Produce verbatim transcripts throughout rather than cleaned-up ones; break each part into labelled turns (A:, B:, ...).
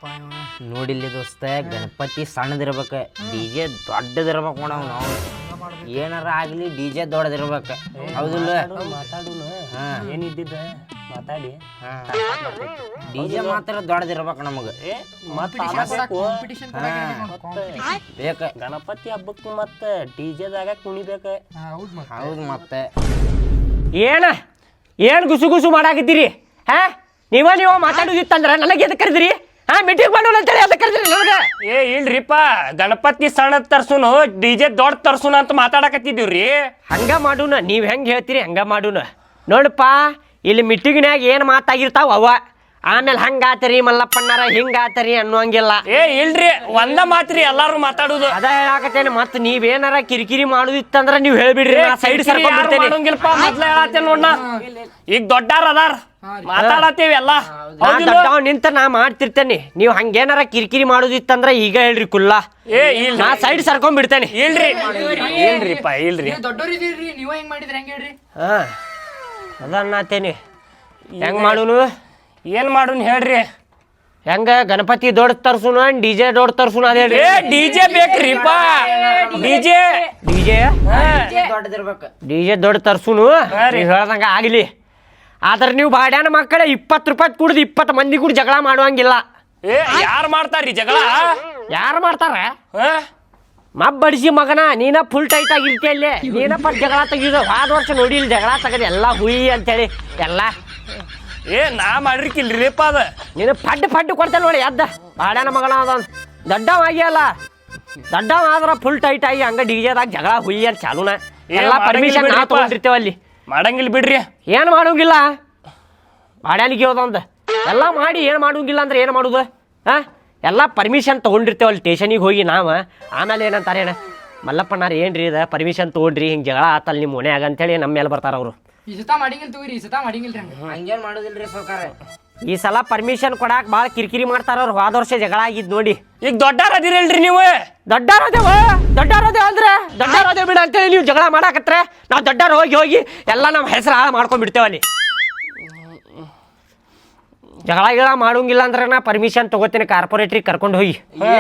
A: ನೋಡಿಲ್ಲಿ ದೋಸ್ತ ಗಣಪತಿ ಸಣ್ಣದಿರ್ಬೇಕು D J ದೊಡ್ಡದಿರ್ಬೇಕು ನೋಡವ್ ನಾವು ಏನಾರ ಆಗ್ಲಿ ಡಿ ಜೆ ದೊಡ್ಡದಿರ್ಬೇಕು ಹೌದಿಲ್ಲ
B: ಮಾತಾಡೋಣ ಏನಿದ್ದಿದ್ದ ಮಾತಾಡಿ
A: ಡಿ ಜೆ ಮಾತ್ರ ದೊಡ್ಡದಿರ್ಬೇಕು ನಮಗೆ ಬೇಕ
B: ಗಣಪತಿ ಹಬ್ಬಕ್ಕೆ ಮತ್ತ ಡಿ ಜೆದಾಗ ಕುಣಿಬೇಕ
A: ಹೌದು ಮತ್ತೆ
B: ಏನ ಏನ್ ಗುಸು ಗುಸು ಮಾಡಾಕಿದ್ದೀರಿ ಹಾ ನೀವ ನೀವು ಮಾತಾಡೋದಿತ್ತಂದ್ರ ನನಗೆ ಎದಕ್ಕೆ ಕರೆದ್ರಿ ಹಾ ಮೀಟಿಂಗ್ ಮಾಡೋಣ ಅಂತೇಳಿ ಅದಕ್ಕೆ ಕರೆದ್ರಿ ನನಗೆ ಏ ಇಲ್ರಿಪ್ಪ ಗಣಪತಿ ಸಣ್ಣ ತರ್ಸುನು ಡಿ ಜೆ ದೊಡ್ಡ ತರ್ಸುನ ಅಂತ ಮಾತಾಡಕತ್ತಿದ್ದೀವ್ರಿ ಹಂಗ ಮಾಡೋಣ ನೀವ್ ಹೆಂಗ್ ಹೇಳ್ತೀರಿ ಹಂಗ ಮಾಡೋಣ ನೋಡಪ್ಪ ಇಲ್ಲಿ ಮೀಟಿಂಗ್ನ್ಯಾಗ ಏನ್ ಮಾತಾಗಿರ್ತಾವ ಅವ ಆಮೇಲೆ ಹಂಗಾತರಿ ಮಲ್ಲಪ್ಪಣ್ಣಾರ ಹಿಂಗಾತರಿ ಅನ್ನುವಂಗಿಲ್ಲ ಏ ಇಲ್ರಿ ಒಂದ ಮಾತ್ರಿ ಎಲ್ಲಾರು ಮಾತಾಡುದು ಅದ ಹೇಳಾಕತ್ತೇನೆ ಮತ್ ನೀವೇನಾರ ಕಿರಿಕಿರಿ ಮಾಡುದಿತ್ತಂದ್ರ ನೀವ್ ಹೇಳ್ಬಿಡ್ರಿ ಸೈಡ್ ಸರ್ಕೊಂಡ್ಬಿಡ್ತೇನೆ ಮೊದ್ಲ ಹೇಳತ್ತೇನೆ ನೋಡ್ನ ಈಗ ದೊಡ್ಡಾರ ಅದಾರ ಮಾತಾಡತ್ತೇವಿ ಎಲ್ಲ ದೊಡ್ಡವ್ ನಿಂತ ನಾ ಮಾಡ್ತಿರ್ತೇನೆ ನೀವ್ ಹಂಗೇನಾರ ಕಿರಿಕಿರಿ ಮಾಡುದಿತ್ತಂದ್ರ ಈಗ ಹೇಳ್ರಿ ಕುಲ್ಲ ಏ ಇಲ್ಲ ನಾ ಸೈಡ್ ಸರ್ಕೊಂಡ್ಬಿಡ್ತೇನೆ ಇಲ್ರಿ ಇಲ್ರಿಪ್ಪ ಇಲ್ರಿ
C: ದೊಡ್ಡೋರಿದ್ದೀರಿ ನೀವ ಹೆಂಗ್ ಮಾಡಿದ್ರಿ ಹೆಂಗ್ ಹೇಳ್ರಿ
B: ಹಾ ಅದನ್ನತೇನಿ ಹೆಂಗ್ ಮಾಡುನು ಏನ್ ಮಾಡುನ್ ಹೇಳ್ರಿ ಹೆಂಗ ಗಣಪತಿ ದೊಡ್ಡ ತರ್ಸುನ ಡಿಜೆ ದೊಡ್ಡ ತರ್ಸುನ ಅದ ಹೇಳ್ರಿ ಡಿಜೆ ಬೇಕ್ರಿಪ್ಪ ಡಿಜೆ ಡಿಜೆ
A: ದೊಡ್ಡದಿರ್ಬೇಕು
B: ಡಿಜೆ ದೊಡ್ಡ ತರ್ಸುನು ಹೇಳ್ದಂಗ ಆಗ್ಲಿ ಆದ್ರ ನೀವು ಬಾಡ್ಯಾನ ಮಕ್ಕಳ ಇಪ್ಪತ್ತು ರೂಪಾಯಿ ಕುಡ್ದು ಇಪ್ಪತ್ತು ಮಂದಿ ಕೂಡ ಜಗಳ ಮಾಡುವಂಗಿಲ್ಲ ಏ ಯಾರು ಮಾಡ್ತಾರ್ರಿ ಜಗಳ ಯಾರು ಮಾಡ್ತಾರ ಮಬ್ಬಡಿಸಿ ಮಗನ ನೀನ ಫುಲ್ ಟೈಟ್ ಆಗಿರ್ತಿ ಅಲ್ಲಿ ನೀನ ಪಟ್ ಜಗಳ ತೆಗಿದ ಹೋದ ವರ್ಷ ನೋಡಿ ಇಲ್ಲಿ ಜಗಳ ತೆಗದ ಎಲ್ಲ ಹುಯಿ ಅಂತೇಳಿ ಎಲ್ಲ ಏ ನಾ ಮಾಡಿರ್ಕಿಲ್ರಿಪ್ಪ ಅದ ನೀನು ಪಡ್ಡು ಪಡ್ಡು ಕೊಡ್ತೇನೆ ನೋಡಿ ಎದ್ದ ಬಾಡ್ಯಾನ ಮಗನ ಅದ ದೊಡ್ಡವ ಆಗಿಯಲ್ಲ ದೊಡ್ಡವ ಆದ್ರ ಫುಲ್ ಟೈಟ್ ಆಗಿ ಹಂಗ ಡಿಜೆದಾಗ ಜಗಳ ಹುಯಿ ಅಂತ ಚಾಲೂನ ಎಲ್ಲ ಪರ್ಮಿಷನ್ ನಾ ತಗೊಂಡಿರ್ತೇವ ಅಲ್ಲಿ ಮಾಡಂಗಿಲ್ಲ ಬಿಡ್ರಿ ಏನ್ ಮಾಡೋಂಗಿಲ್ಲ ಬಾಡ್ಯಾನಿಗೆ ಹೋದಂದ ಎಲ್ಲ ಮಾಡಿ ಏನ್ ಮಾಡೋಂಗಿಲ್ಲ ಅಂದ್ರೆ ಏನ್ ಮಾಡುದು ಹಾ ಎಲ್ಲ ಪರ್ಮಿಷನ್ ತೊಗೊಂಡಿರ್ತೇವಲ್ಲಿ ಸ್ಟೇಷನಿಗೆ ಹೋಗಿ ನಾವು ಆಮೇಲೆ ಏನಂತಾರೆ ಏನ ಮಲ್ಲಪ್ಪಣ್ಣಾರ ಏನ್ರಿ ಇದ ಪರ್ಮಿಷನ್ ತೊಗೊಂಡ್ರಿ ಹಿಂಗೆ ಜಗಳ ಆತಲ್ಲ ನಿಮ್ಮ ಮನ್ಯಾಗ ಅಂತೇಳಿ ನಮ್ಮ ಮೇಲೆ ಬರ್ತಾರ ಅವರು
C: ಈ ಸತ ಮಾಡಿಂಗಿಲ್ಲ ತಗೋರಿ ಈ ಸತ ಮಾಡಿಂಗಿಲ್ರಿ
A: ಹಂಗೇನ್ ಮಾಡೋದಿಲ್ರಿ ಸರ್ಕಾರ
B: ಈ ಸಲ ಪರ್ಮಿಷನ್ ಕೊಡಾಕ್ ಭಾಳ ಕಿರಿಕಿರಿ ಮಾಡ್ತಾರ ಅವ್ರು ಹೋದ ವರ್ಷ ಜಗಳ ಆಗಿದ್ ನೋಡಿ ಈಗ ದೊಡ್ಡಾರ ಅದಿರಲ್ರಿ ನೀವು ದೊಡ್ಡಾರ ಅದೇವ ದೊಡ್ಡಾರ ಅದೇ ಅಂದ್ರೆ ದೊಡ್ಡಾರ ಅದೇ ಬಿಡ ಅಂತೇಳಿ ನೀವು ಜಗಳ ಮಾಡಾಕತ್ರ ನಾವು ದೊಡ್ಡಾರ ಹೋಗಿ ಹೋಗಿ ಎಲ್ಲ ನಮ್ಮ ಹೆಸರು ಹಾಳು ಮಾಡ್ಕೊಂಡ್ಬಿಡ್ತೇವೆ ಅಲ್ಲಿ ಜಗಳ ಗಿಳ ಮಾಡೋಂಗಿಲ್ಲ ಅಂದ್ರೆ ನಾ ಪರ್ಮಿಷನ್ ತಗೋತೀನಿ ಕಾರ್ಪೊರೇಟ್ರಿಗೆ ಕರ್ಕೊಂಡು ಹೋಗಿ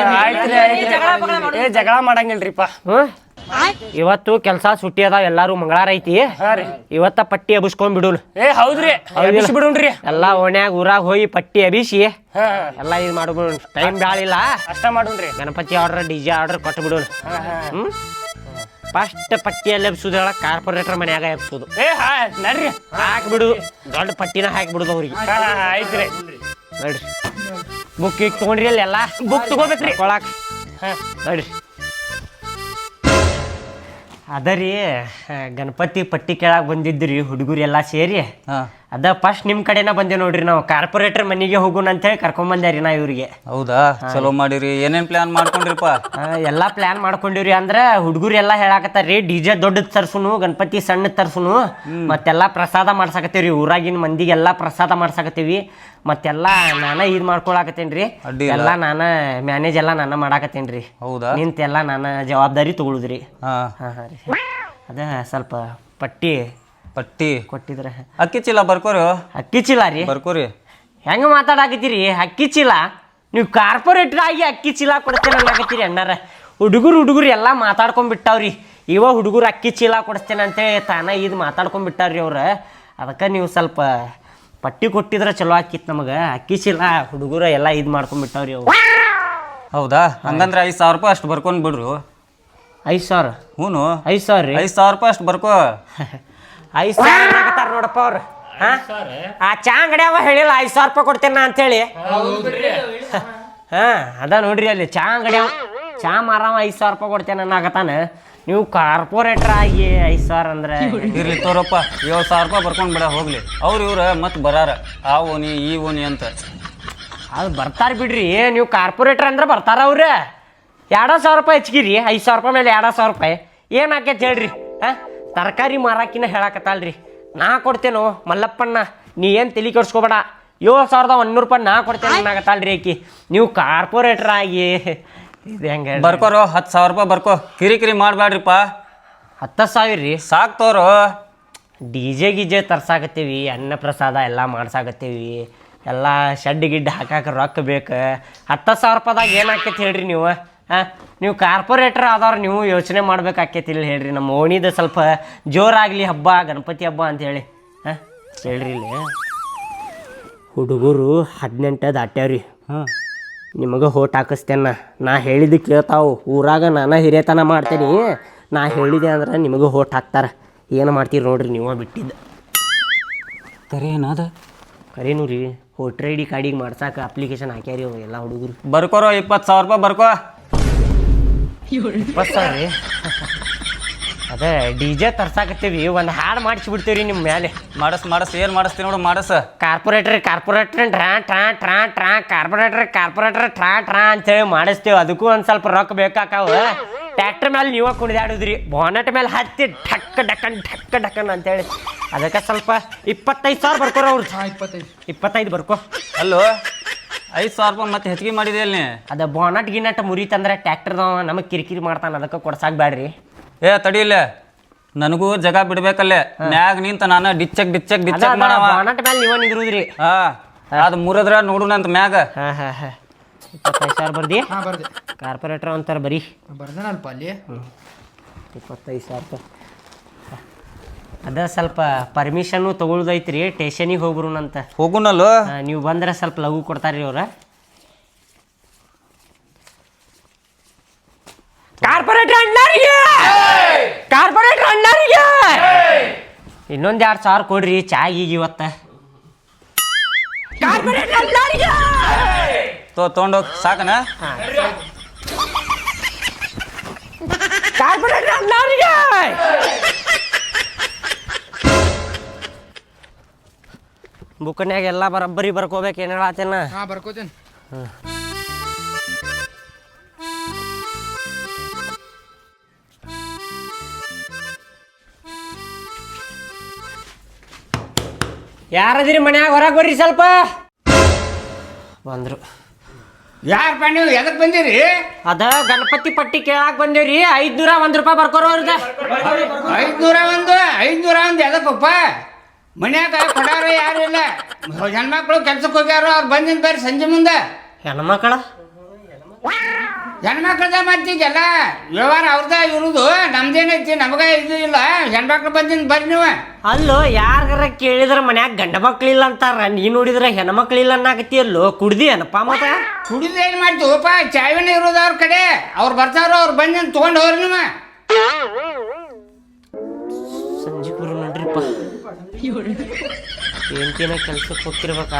B: ಜಗಳ ಮಾಡಂಗಿಲ್ರಿಪ್ಪ ಹ್ಮ್ ಇವತ್ತು ಕೆಲಸ ಸುಟ್ಟಿ ಅದಾವ ಎಲ್ಲಾರು ಮಂಗಳಾರ ಐತಿ ಇವತ್ತ ಪಟ್ಟಿ ಎಬ್ಸ್ಕೊಂಡ್ ಬಿಡುನ್ ಏ ಹೌದ್ರಿ ಬಿಡುನ್ರಿ ಎಲ್ಲಾ ಓಣ್ಯಾಗ ಊರಾಗ ಹೋಗಿ ಪಟ್ಟಿ ಎಬಿಸಿ ಎಲ್ಲಾ ಇದು ಮಾಡ್ಬಿಡು ಟೈಮ್ ಬ್ಯಾಳಿಲ್ಲ ಅಷ್ಟ ಮಾಡುನ್ರಿ ಗಣಪತಿ ಆರ್ಡರ್ ಡಿಜೆ ಆರ್ಡರ್ ಕೊಟ್ಟು ಬಿಡುನ್ ಹ್ಮ್ ಫಸ್ಟ್ ಪಟ್ಟಿಯಲ್ಲಿ ಎಬ್ಸುದು ಹೇಳ ಕಾರ್ಪೊರೇಟರ್ ಮನ್ಯಾಗ ಎಬ್ಸುದು ಏ ಹಾ ನಡ್ರಿ ಹಾಕ್ಬಿಡು ದೊಡ್ಡ ಪಟ್ಟಿನ ಹಾಕ್ಬಿಡುದು ಅವ್ರಿಗೆ ಆಯ್ತ್ರಿ ನೋಡ್ರಿ ಬುಕ್ ಈಗ ತಗೊಂಡ್ರಿ ಅಲ್ಲಿ ಎಲ್ಲ ಬುಕ್ ತಗೋಬೇಕ್ರಿ ಕೊಳಾಕ್ ಹಾ ನೋಡ್ರಿ ಅದರಿ ಗಣಪತಿ ಪಟ್ಟಿ ಕೇಳಾಕ್ ಬಂದಿದ್ರಿ ಹುಡುಗರು ಎಲ್ಲ ಸೇರಿ ಅದ ಫಸ್ಟ್ ನಿಮ್ ಕಡೆನ ಬಂದೆ ನೋಡ್ರಿ ನಾವು ಕಾರ್ಪೊರೇಟರ್ ಮನೆಗೆ ಹೋಗೋಣ ಅಂತ ಹೇಳಿ ಕರ್ಕೊಂಡ್ ಬಂದ್ಯಾರಿ ನಾ ಇವ್ರಿಗೆ
D: ಹೌದಾ ಚಲೋ ಮಾಡಿರಿ ಏನೇನ್ ಪ್ಲಾನ್ ಮಾಡ್ಕೊಂಡ್ರಿಪ್ಪ
B: ಎಲ್ಲಾ ಪ್ಲಾನ್ ಮಾಡ್ಕೊಂಡಿವ್ರಿ ಅಂದ್ರ ಹುಡುಗರು ಎಲ್ಲಾ ಹೇಳಾಕತ್ತಾರ್ರಿ ಡಿಜೆ ದೊಡ್ಡದ್ ತರ್ಸುನು ಗಣಪತಿ ಸಣ್ಣ ತರ್ಸುನು ಮತ್ತೆಲ್ಲಾ ಪ್ರಸಾದ ಮಾಡ್ಸಾಕತ್ತೇವ್ರಿ ಊರಾಗಿನ ಮಂದಿಗೆಲ್ಲಾ ಪ್ರಸಾದ ಮಾಡ್ಸಾಕತ್ತೀವಿ ಮತ್ತೆಲ್ಲಾ ನಾನ ಇದ್ ಮಾಡ್ಕೊಳಕತ್ತೇನ್ರಿ ಎಲ್ಲಾ ನಾನ ಮ್ಯಾನೇಜ್ ಎಲ್ಲಾ ನಾನ ಮಾಡಾಕತ್ತೇನ್ರಿ
D: ಹೌದಾ
B: ನಿಂತೆಲ್ಲಾ ನಾನ ಜವಾಬ್ದಾರಿ ತಗೊಳುದ್ರಿ
D: ಹಾ
B: ಹಾ ರೀ ಅದ ಸ್ವಲ್ಪ ಪಟ್ಟಿ
D: ಪಟ್ಟಿ
B: ಕೊಟ್ಟಿದ್ರ
D: ಅಕ್ಕಿ ಚೀಲ ಬರ್ಕೋರಿ
B: ಅಕ್ಕಿ ಚೀಲ ರೀ
D: ಬರ್ಕೋರಿ
B: ಹೆಂಗ ಮಾತಾಡಕತ್ತೀರಿ ಅಕ್ಕಿ ಚೀಲ ನೀವು ಕಾರ್ಪೊರೇಟರ್ ಆಗಿ ಅಕ್ಕಿ ಚೀಲ ಕೊಡ್ತೇನೆ ಅನ್ನಕತ್ತೀರಿ ಅಣ್ಣಾರ ಹುಡುಗರು ಹುಡುಗರು ಎಲ್ಲ ಮಾತಾಡ್ಕೊಂಡ್ಬಿಟ್ಟಾವ್ರಿ ಇವ ಹುಡುಗರು ಅಕ್ಕಿ ಚೀಲ ಕೊಡಿಸ್ತೇನೆ ಅಂತೇಳಿ ತಾನ ಇದು ಮಾತಾಡ್ಕೊಂಡ್ಬಿಟ್ಟಾರ್ರಿ ಅವ್ರ ಅದಕ್ಕೆ ನೀವು ಸ್ವಲ್ಪ ಪಟ್ಟಿ ಕೊಟ್ಟಿದ್ರೆ ಚಲೋ ಆಕಿತ್ತು ನಮಗೆ ಅಕ್ಕಿ ಚೀಲ ಹುಡುಗರು ಎಲ್ಲ ಇದು ಮಾಡ್ಕೊಂಡ್ಬಿಟ್ಟಾವ್ರಿ ಅವ್ರು
D: ಹೌದಾ ಹಂಗಂದ್ರೆ ಐದು ಸಾವಿರ ರೂಪಾಯಿ ಅಷ್ಟು ಬರ್ಕೊಂಡ್ ಬಿಡ್ರು
B: ಐದು ಸಾವಿರ
D: ಹ್ಞೂ
B: ಐದು ಸಾವಿರ ರೀ
D: ಐದು ಸಾವಿರ ರೂಪಾಯಿ ಅಷ್ಟು ಬರ್ಕೋ
B: ಐದು ಸಾವಿರ ಆಗತ್ತಾರ ನೋಡಪ್ಪ ಅವ್ರು ಆ ಚಾ ಅಂಗಡಿಯವ ಹೇಳಿಲ್ಲ ಐದು ಸಾವಿರ ರೂಪಾಯಿ ಕೊಡ್ತೇನೆ ಅಂತೇಳಿ ಹಾ ಅದ ನೋಡ್ರಿ ಅಲ್ಲಿ ಚಾ ಅಂಗಡಿಯವ ಚಾ ಮಾರವ ಐದು ಸಾವಿರ ರೂಪಾಯಿ ಕೊಡ್ತೇನೆ ಅನ್ನಕತ್ತಾನ ನೀವು ಕಾರ್ಪೊರೇಟರ್ ಆಗಿ ಐದು ಸಾವಿರ ಅಂದ್ರೆ
D: ಇರ್ಲಿ ತೋರಪ್ಪ ಏಳು ಸಾವಿರ ರೂಪಾಯಿ ಬರ್ಕೊಂಡ್ ಬಿಡ ಹೋಗ್ಲಿ ಅವ್ರು ಇವ್ರ ಮತ್ತೆ ಬರಾರ ಆ ಓನಿ ಈ ಓನಿ ಅಂತ
B: ಅದು ಬರ್ತಾರ ಬಿಡ್ರಿ ನೀವು ಕಾರ್ಪೊರೇಟರ್ ಅಂದ್ರೆ ಬರ್ತಾರ ಅವ್ರ ಎರಡ ಸಾವಿರ ರೂಪಾಯಿ ಹೆಚ್ಚಿಗಿರಿ ಐದು ಸಾವಿರ ರೂಪಾಯಿ ಮೇಲೆ ಎರಡ ಸಾವಿರ ರೂಪಾಯಿ ಏನು ಆಕೈತೆ ಹೇಳ್ರಿ ಹಾಂ ತರಕಾರಿ ಮಾರಾಕಿನ ಹೇಳಕತ್ತಲ್ರಿ ನಾ ಕೊಡ್ತೇನೋ ಮಲ್ಲಪ್ಪಣ್ಣ ನೀ ಏನು ತಲೆ ಕೆಡ್ಸ್ಕೊಬೇಡ ಏಳು ಸಾವಿರದ ಒಂದೂರು ರೂಪಾಯಿ ನಾ ಕೊಡ್ತೇನೆ ಅನ್ನಕತ್ತಲ್ರಿ ಆಕಿ ನೀವು ಕಾರ್ಪೊರೇಟರ್ ಆಗಿ ಇದು ಹೆಂಗೆ
D: ಬರ್ಕೋರು ಹತ್ತು ಸಾವಿರ ರೂಪಾಯಿ ಬರ್ಕೋ ಕಿರಿಕಿರಿ ಮಾಡಬೇಡ್ರಿಪ್ಪ
B: ಹತ್ತು ಸಾವಿರ ರೀ
D: ಸಾಕು ತೋರು
B: ಡಿ ಜೆ ಗಿಜೆ ತರ್ಸಾಕತ್ತೀವಿ ಅನ್ನ ಪ್ರಸಾದ ಎಲ್ಲ ಮಾಡ್ಸಾಕತ್ತೀವಿ ಎಲ್ಲ ಶೆಡ್ ಗಿಡ್ ಹಾಕಾಕ ರೊಕ್ಕ ಬೇಕು. ಹತ್ತು ಸಾವಿರ ರೂಪಾಯಿದಾಗ ಏನು ಆಕೈತಿ ಹೇಳ್ರಿ ನೀವು? ಹಾಂ, ನೀವು ಕಾರ್ಪೊರೇಟರ್ ಆದವ್ರು ನೀವು ಯೋಚನೆ ಮಾಡ್ಬೇಕಾಕೈತಿ ಇಲ್ಲ ಹೇಳ್ರಿ. ನಮ್ಮ ಓಣಿದ ಸ್ವಲ್ಪ ಜೋರಾಗಲಿ ಹಬ್ಬ, ಗಣಪತಿ ಹಬ್ಬ ಅಂತ ಹೇಳಿ. ಹಾಂ ಹೇಳ್ರಿ ಇಲ್ಲಿ ಹುಡುಗರು ಹದಿನೆಂಟು ದಾಟ್ಯಾವ್ರಿ.
D: ಹಾಂ,
B: ನಿಮಗೆ ಹೋಟ್ ಹಾಕಿಸ್ತೇನ. ನಾ ಹೇಳಿದ್ದು ಕೇಳ್ತಾವು. ಊರಾಗ ನಾನು ಹಿರಿಯತನ ಮಾಡ್ತೇನೆ. ನಾ ಹೇಳಿದೆ ಅಂದ್ರೆ ನಿಮಗೆ ಹೋಟ್ ಹಾಕ್ತಾರೆ. ಏನು ಮಾಡ್ತೀರಿ ನೋಡ್ರಿ ನೀವು ಬಿಟ್ಟಿದ್ದು.
D: ಕರೆ ಏನದ?
B: ಕರೇನು ರೀ, ವೋಟ್ರ್ ಐ ಡಿ ಕಾರ್ಡಿಗೆ ಮಾಡ್ಸಾಕ ಅಪ್ಲಿಕೇಶನ್ ಹಾಕ್ಯಾರಿ ಅವು ಎಲ್ಲ ಹುಡುಗರು.
D: ಬರ್ಕೋರೋ ಇಪ್ಪತ್ತು ಸಾವಿರ ರೂಪಾಯಿ ಬರ್ಕೋ.
B: ಇಪ್ಪತ್ತು ಸಾವಿರ ರೀ? ಅದೇ ಡಿ ಜೆ ತರ್ಸಾಕತ್ತೀವಿ, ಒಂದು ಹಾಡು ಮಾಡಿಸ್ಬಿಡ್ತೀವಿ ರೀ ನಿಮ್ಮ ಮೇಲೆ.
D: ಮಾಡಸ್ ಮಾಡಸ್ ಏನು ಮಾಡಿಸ್ತೀನಿ ನೋಡು ಮಾಡಸ್.
B: ಕಾರ್ಪೊರೇಟ್ರ್ ಕಾರ್ಪೊರೇಟ್ರ್ ಟ್ರಾ ಟ್ರಾ ಟ್ರಾ ಟ್ರಾ ಕಾರ್ಪೊರೇಟ್ರ್ ಕಾರ್ಪೊರೇಟ್ರ್ ಟ್ರಾ ಟ್ರಾ ಅಂತೇಳಿ ಮಾಡಿಸ್ತೇವೆ. ಅದಕ್ಕೂ ಒಂದು ಸ್ವಲ್ಪ ರೊಕ್ಕ ಬೇಕಾಕಾವ. ಟ್ಯಾಕ್ಟ್ರ್ ಮೇಲೆ ನೀವ ಕುಣಿದಾಡುದ್ರಿ, ಬಾನೆಟ್ ಮೇಲೆ ಹತ್ತಿ ಢಕ್ ಡಕನ್ ಢಕ್ ಡಕನ್ ಅಂತೇಳಿ. ಅದಕ್ಕೆ ಸ್ವಲ್ಪ ಇಪ್ಪತ್ತೈದು ಸಾವಿರ ಬರ್ಕೋರ ಅವ್ರು.
C: ಇಪ್ಪತ್ತೈದು
B: ಇಪ್ಪತ್ತೈದು ಬರ್ಕೋ.
D: ಅಲ್ಲೋ, ಐದು ಸಾವಿರ ರೂಪಾಯಿ ಮತ್ತೆ ಹೆಚ್ಚಿಗೆ ಮಾಡಿದೆ ಅಲ್ಲಿ.
B: ಅದ ಬಾನಟ್ ಗಿನಟ್ ಮುರಿತಂದ್ರೆ ಟ್ಯಾಕ್ಟರ್ದವ ನಮಗೆ ಕಿರಿಕಿರಿ ಮಾಡ್ತಾನೆ. ಅದಕ್ಕೆ ಕೊಡ್ಸಾಕ್ ಬ್ಯಾಡ್ರಿ.
D: ಏ ತಡಿಯಿಲ್ಲ, ನನಗೂ ಜಗ ಬಿಡ್ಬೇಕಲ್ಲೇ. ಮ್ಯಾಗ ನಿಂತ ನಾನು ಡಿಚ್ಚಕ್ ಡಿಚ್ಚಕ್ ಡಿಚ್ಚಕ್ ಮಾಡವ.
B: ಬಾನಟ್ ಮೇಲೆ ನೀವ ನಿಂದ್ರುದ್ರಿ.
D: ಹಾ, ಅದು ಮುರಿದ್ರ ನೋಡುನಂತ ಮ್ಯಾಗ.
B: ಹಾ ಹಾ ಹಾ ಇಪ್ಪತ್ತೈದು ಸಾವಿರ ಬರ್ದಿ.
C: ಹಾ ಬರ್ದೆ.
B: ಕಾರ್ಪೊರೇಟರ್ ಅಂತಾರ ಬರೀ
C: ಬರ್ದನಲ್ಪ ಅಲ್ಲಿ.
B: ಇಪ್ಪತ್ತೈದು ಸಾವಿರ ರೂಪಾಯಿ. ಅದ ಸ್ವಲ್ಪ ಪರ್ಮಿಷನ್ನು ತೊಗೊಳ್ದೈತ್ರಿ, ಸ್ಟೇಷನಿಗೆ ಹೋಗ್ರುನಂತ.
D: ಹೋಗುನಲ್ಲೋ.
B: ನೀವು ಬಂದ್ರೆ ಸ್ವಲ್ಪ ಲಘು ಕೊಡ್ತಾರ್ರಿ ಅವ್ರ. ಕಾರ್ಪೊರೇಟರ್ ಅಣ್ಣಾರಿಗೆ ಕಾರ್ಪೊರೇಟರ್ ಅಣ್ಣಾರಿಗೆ ಇನ್ನೊಂದು ಎರಡು ಸಾವಿರ ಕೊಡ್ರಿ ಚಾಗಿಗೆ ಇವತ್ತ. ಕಾರ್ಪೊರೇಟರ್ ಅಣ್ಣಾರಿಗೆ
D: ತೋ ತೊಗೊಂಡೋಗ್ ಸಾಕನ.
B: ಕಾರ್ಪೊರೇಟರ್ ಅಣ್ಣಾರಿಗೆ ಬುಕ್ನ್ಯಾಗ ಎಲ್ಲ ಬರಬ್ಬರಿ ಬರ್ಕೋಬೇಕು. ಏನು ಹೇಳತ್ತೇನ?
C: ಹಾ ಬರ್ಕೋತೇನೆ.
B: ಯಾರದಿರಿ ಮನ್ಯಾಗ? ಹೊರಗೆ ಬರ್ರಿ ಸ್ವಲ್ಪ. ಬಂದ್ರು.
E: ಯಾರಪ್ಪ ನೀವು? ಎದಕ್ಕೆ ಬಂದಿರಿ?
B: ಅದ ಗಣಪತಿ ಪಟ್ಟಿ ಕೇಳಾಕ್ ಬಂದೇವ್ರಿ. ಐದ್ನೂರ ಒಂದ್ ರೂಪಾಯಿ ಬರ್ಕೋರ ಅವ್ರಿಗೆ.
E: ಐದ್ನೂರ ಒಂದು ಐದ್ನೂರ ಒಂದು ಎದಕ್ಕಪ್ಪ? ಮನ್ಯಾಗ ಕೊಡಾರ ಯಾರು ಇಲ್ಲ. ಹೆಣ್ಮಕ್ಳು ಕೆಲ್ಸಕ್ಕೆ ಹೋಗ್ಯಾರ, ಅವ್ರು ಬಂದಿನ ಬರ್ರಿ ಸಂಜೆ ಮುಂದೆ.
B: ಹೆಣ್ಮಕ್ಳ
E: ಹೆಣ್ಮಕ್ಳದ ಮಾಡ್ತಿದ್ದಲ್ಲ ವ್ಯವಹಾರ ಅವ್ರದ ಇರುದು. ನಮ್ದೇನೈತಿ, ನಮಗ ಇದು ಇಲ್ಲ. ಹೆಣ್ಮಕ್ಳು ಬಂದಿನ ಬರ್ರಿ ನೀವು.
B: ಅಲ್ಲೋ, ಯಾರ ಕೇಳಿದ್ರ ಮನ್ಯಾಗ ಗಂಡ ಮಕ್ಳಿಲ್ಲ ಅಂತಾರ. ನೀ ನೋಡಿದ್ರ ಹೆಣ್ಮಕ್ಳಿಲ್ಲ ಅನ್ನಕತ್ತಿಯಲ್ಲೋ. ಕುಡ್ದಿ ಏನಪ್ಪ ಮತ್ತ?
E: ಕುಡಿದು ಏನು ಮಾಡ್ತೀವಪ್ಪ? ಚಾವಿನ ಇರೋದು ಅವ್ರ ಕಡೆ. ಅವ್ರು ಬರ್ತಾರೋ, ಅವ್ರು ಬಂದಿನ ತೊಗೊಂಡು ಹೋಗ್ರಿ ನೀವು.
B: ಸಂಜೆ ಗುರು ನೋಡ್ರಿಪ್ಪ, ಏನ್ತಿನ ಕೆಲ್ಸಕ್ಕೆ ಹೋಗ್ತಿರ್ಬೇಕಾ?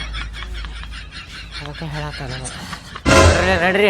B: ಅದಕ್ಕೆ ಹೇಳತ್ತ ನಡ್ರಿ ನಡ್ರಿ.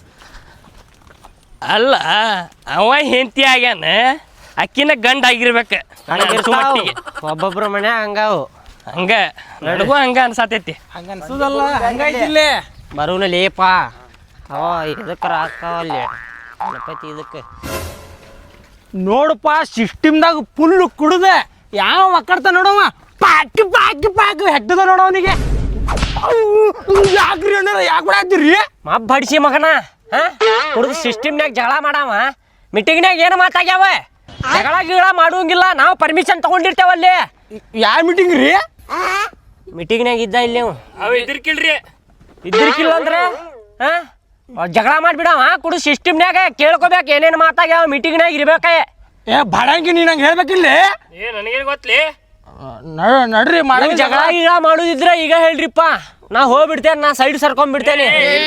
F: ಅಲ್ಲ, ಅವ ಹೆಂಡತಿ ಆಗ್ಯಾನ, ಅಕ್ಕಿನ ಗಂಡ ಆಗಿರ್ಬೇಕು.
B: ಒಬ್ಬೊಬ್ರ ಮನ್ಯಾಗ ಹಂಗಾವು.
F: ಹಂಗ ನಡಗು ಹಂಗ ಅನ್ಸಾತೈತಿ.
C: ಹಂಗ ಅನ್ಸುದಲ್ಲ, ಹಂಗಾಯ್ತಿಲ್ಲೇ.
B: ಬರುನ ಲೇಪ ಅವ ಇದಕ್ಕೆ ರಾಕವಲ್ಲಿ ಗಣಪತಿ ಇದಕ್ಕೆ.
C: ನೋಡಪ್ಪ, ಸಿಸ್ಟಮ್ದಾಗ ಫುಲ್ ಕುಡ್ದೆ ಯಾವ ಮಕ್ಕಳ್ತ ನೋಡವ. ಪಾಕಿ ಪಾಕಿ ಪಾಕಿ ಹೆಟ್ಟದ ನೋಡವನಿಗೆ. ಯಾಕ್ರಿ ಅಣ್ಣ, ಯಾಕೆ ಬಿಡಾತ್ತೀರಿ?
B: ಮಬ್ಬ ಬಡಿಸಿ ಮಗನ. ಹಾ, ಕುಡ್ದು ಸಿಸ್ಟಮ್ನಾಗ ಜಗಳ ಮಾಡವ. ಮೀಟಿಂಗ್ನಾಗ ಏನು ಮಾತಾಗ್ಯಾವ? ಜಗಳ ಗಿಗಳ ಮಾಡುವಂಗಿಲ್ಲ. ನಾವು ಪರ್ಮಿಷನ್ ತಗೊಂಡಿರ್ತೇವಲ್ಲಿ.
C: ಯಾವ ಮೀಟಿಂಗ್ ರೀ?
B: ಮೀಟಿಂಗ್ನಾಗ ಇದ್ದ ಇಲ್ಲಿ ನೀವು.
F: ಅವ ಇದ್ರಕಿಲ್ರಿ.
B: ಇದ್ರಿಕಿಲ್ಲ ಅಂದ್ರೆ ಹಾ ಜಗಳ ಮಾಡ್ಬಿಡವ. ಕುಡು ಸಿಸ್ಟಮ್ನಾಗ ಕೇಳ್ಕೊಬೇಕು ಏನೇನು ಮಾತಾಗ್ಯಾವ. ಮೀಟಿಂಗ್ನಾಗ ಇರ್ಬೇಕ.
C: ಏ ಬಾಡಂಗಿ, ನೀ ನಂಗೆ ಹೇಳ್ಬೇಕಿಲ್ಲ.
F: ಏ ನನಗೇನು ಗೊತ್ತಲಿ.
C: ನಡ್ರಿ ಮಾಡಿ.
B: ಜಗಳ ಗಿಗಳ ಮಾಡುದಿದ್ರ ಈಗ ಹೇಳ್ರಿಪ್ಪ. ನಾ ಹೋಗ್ಬಿಡ್ತೇನೆ, ನಾ ಸೈಡ್ ಸರ್ಕೊಂಡ್ಬಿಡ್ತೇನೆ.